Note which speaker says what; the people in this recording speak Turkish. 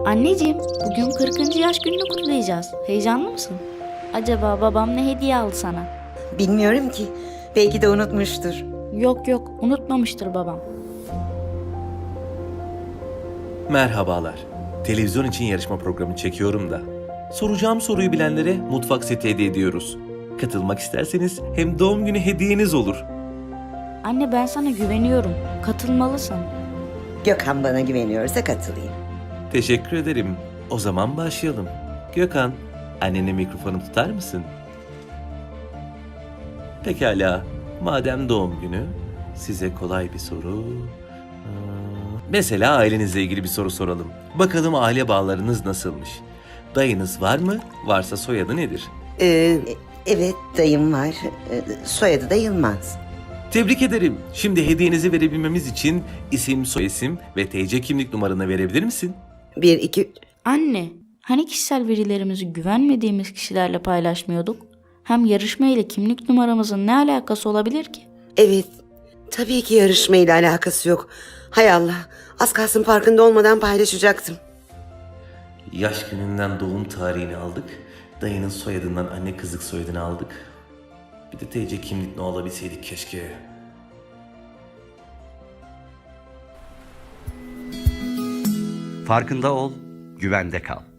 Speaker 1: Anneciğim, bugün 40. yaş gününü kutlayacağız. Heyecanlı mısın? Acaba babam ne hediye aldı sana?
Speaker 2: Bilmiyorum ki. Belki de unutmuştur.
Speaker 1: Yok yok, unutmamıştır babam.
Speaker 3: Merhabalar. Televizyon için yarışma programı çekiyorum da. Soracağım soruyu bilenlere mutfak seti hediye ediyoruz. Katılmak isterseniz hem doğum günü hediyeniz olur.
Speaker 1: Anne ben sana güveniyorum. Katılmalısın.
Speaker 2: Gökhan bana güveniyorsa katılayım.
Speaker 3: Teşekkür ederim. O zaman başlayalım. Gökhan, annene mikrofonu tutar mısın? Pekala. Madem doğum günü, size kolay bir soru. Mesela ailenizle ilgili bir soru soralım. Bakalım aile bağlarınız nasılmış? Dayınız var mı? Varsa soyadı nedir?
Speaker 2: Evet dayım var. Soyadı da Yılmaz.
Speaker 3: Tebrik ederim. Şimdi hediyenizi verebilmemiz için isim, soyisim ve TC kimlik numaranı verebilir misin?
Speaker 2: 1, 2...
Speaker 1: Anne, hani kişisel verilerimizi güvenmediğimiz kişilerle paylaşmıyorduk? Hem yarışma ile kimlik numaramızın ne alakası olabilir ki?
Speaker 4: Evet, tabii ki yarışmayla alakası yok. Hay Allah, az kalsın farkında olmadan paylaşacaktım.
Speaker 3: Yaş gününden doğum tarihini aldık. Dayının soyadından anne kızlık soyadını aldık. Bir de TC kimlik ne olabilseydik keşke.
Speaker 5: Farkında ol, güvende kal.